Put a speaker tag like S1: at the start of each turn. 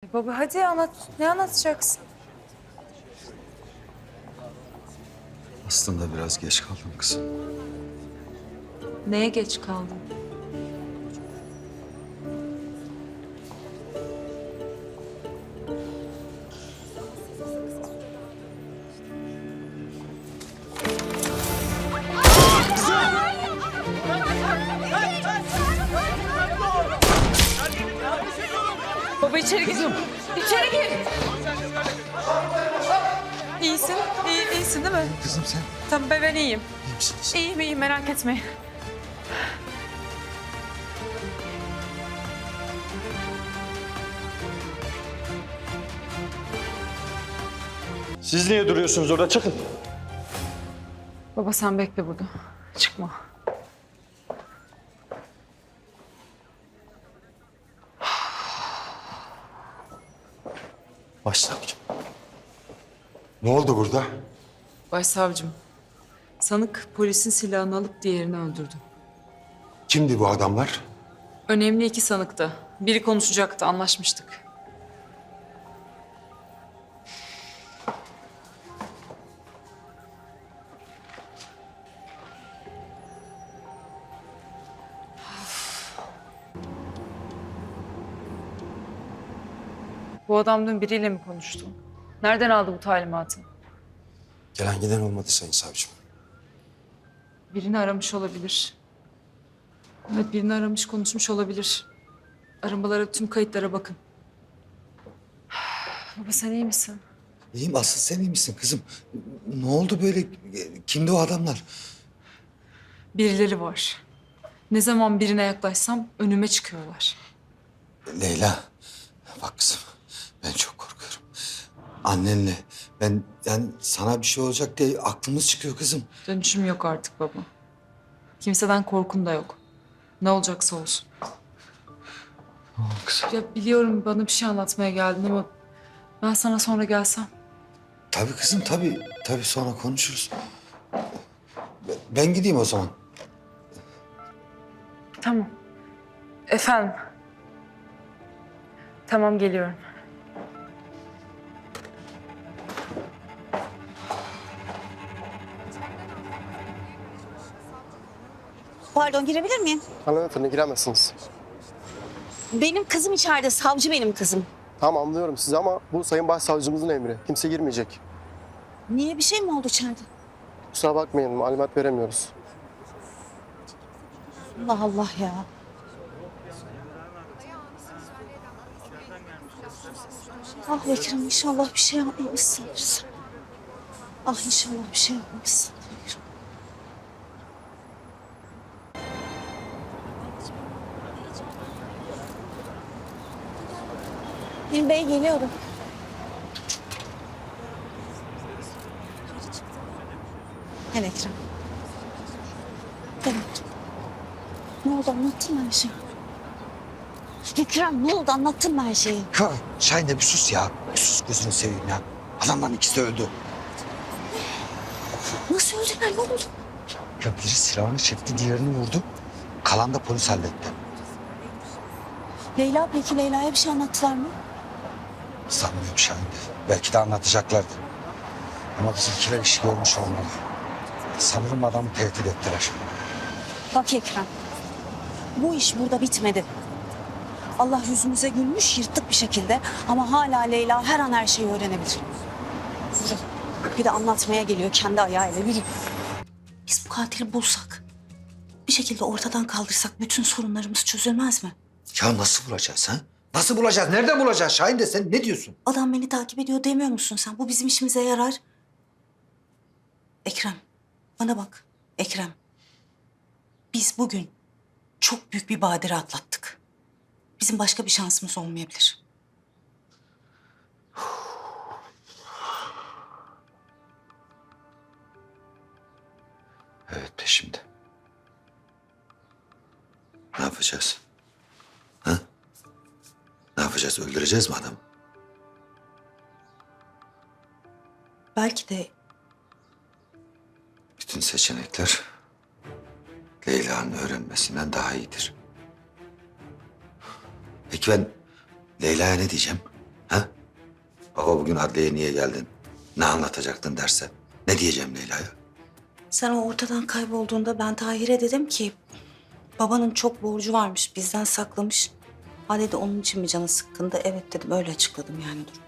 S1: Baba hadi anlat. Ne anlatacaksın?
S2: Aslında biraz geç kaldım kızım.
S1: Neye geç kaldın? Baba içeri gir. İçeri gir. İyisin. İyisin değil mi?
S2: Kızım sen
S1: Tamam ben iyiyim.
S2: iyi misiniz?
S1: İyiyim merak etmeyin.
S3: Siz niye duruyorsunuz orada? Çıkın.
S1: Baba sen bekle burada. Çıkma.
S2: Başsavcım. Ne oldu burada?
S1: Başsavcım, sanık polisin silahını alıp diğerini öldürdü.
S2: Kimdi bu adamlar?
S1: Önemli iki sanıktı. Biri konuşacaktı, anlaşmıştık. Bu adam dün biriyle mi konuştu? Nereden aldı bu talimatı?
S2: Gelen giden olmadı sayın savcım.
S1: Birini aramış olabilir. Evet, birini aramış, konuşmuş olabilir. Aramalara, tüm kayıtlara bakın. Baba sen iyi misin?
S2: İyiyim, asıl sen iyi misin kızım? Ne oldu böyle? Kimdi o adamlar?
S1: Birileri var. Ne zaman birine yaklaşsam önüme çıkıyorlar.
S2: Leyla, bak kızım, ben çok korkuyorum. Annenle ben, yani sana bir şey olacak diye aklımız çıkıyor kızım.
S1: Dönüşüm yok artık baba. Kimseden korkum da yok. Ne olacaksa olsun.
S2: Kızım.
S1: Ya biliyorum bana bir şey anlatmaya geldin ama ben sana sonra gelsem.
S2: Tabii kızım, tabii. Tabii sonra konuşuruz. Ben gideyim o zaman.
S1: Tamam. Efendim. Tamam geliyorum.
S4: Pardon, girebilir miyim?
S5: Hanımefendi giremezsiniz.
S4: Benim kızım içeride, savcı benim kızım.
S5: Tamam anlıyorum sizi ama bu sayın başsavcımızın emri. Kimse girmeyecek.
S4: Niye, bir şey mi oldu içeride?
S5: Kusura bakmayın malumat veremiyoruz.
S4: Allah Allah ya. Ah Ekrem, inşallah bir şey yapmamışsındır. Ah inşallah bir şey yapmamışsındır. Hilmi Bey geliyorum. Gel Ekrem. Gel Ekrem. Ne oldu, anlattın mı her şeyi? Ekrem ne oldu, anlattın mı her şeyi?
S2: Ya Şahin de bir sus ya. Bir sus, gözünü seveyim ya. Adamların ikisi de öldü.
S4: Nasıl öldüler, ne oldu?
S2: Ya biri silahını çekti, diğerini vurdu. Kalan da polis halletti.
S4: Leyla, peki Leyla'ya bir şey anlattılar mı?
S2: Sanmıyorum Şahin. Belki de anlatacaklardı. Ama bizimkiler işi görmüş olmalı. Sanırım adamı tehdit ettiler.
S4: Bak Ekrem, bu iş burada bitmedi. Allah yüzümüze gülmüş, yırttık bir şekilde. Ama hala Leyla her an her şeyi öğrenebilir. Yürü. Bir de anlatmaya geliyor kendi ayağıyla, yürü. Biz bu katili bulsak, bir şekilde ortadan kaldırsak bütün sorunlarımız çözülmez mi?
S2: Ya nasıl bulacağız ha? Nasıl bulacağız? Nereden bulacağız Şahin de, sen ne diyorsun?
S4: Adam beni takip ediyor demiyor musun sen? Bu bizim işimize yarar. Ekrem, bana bak. Ekrem, biz bugün çok büyük bir badire atlattık. Bizim başka bir şansımız olmayabilir.
S2: Evet, peşimde. Ne yapacağız? Ha? Ne yapacağız? Öldüreceğiz mi adamı?
S4: Belki de
S2: Bütün seçenekler Leyla'nın öğrenmesinden daha iyidir. Peki ben Leyla'ya ne diyeceğim? Ha? Baba bugün adliyeye niye geldin? Ne anlatacaktın derse? Ne diyeceğim Leyla'ya?
S4: Sen o ortadan kaybolduğunda ben Tahir'e dedim ki... babanın çok borcu varmış, bizden saklamış. Ha dedi, onun için mi canı sıkkındı? Evet dedim, öyle açıkladım yani durumu.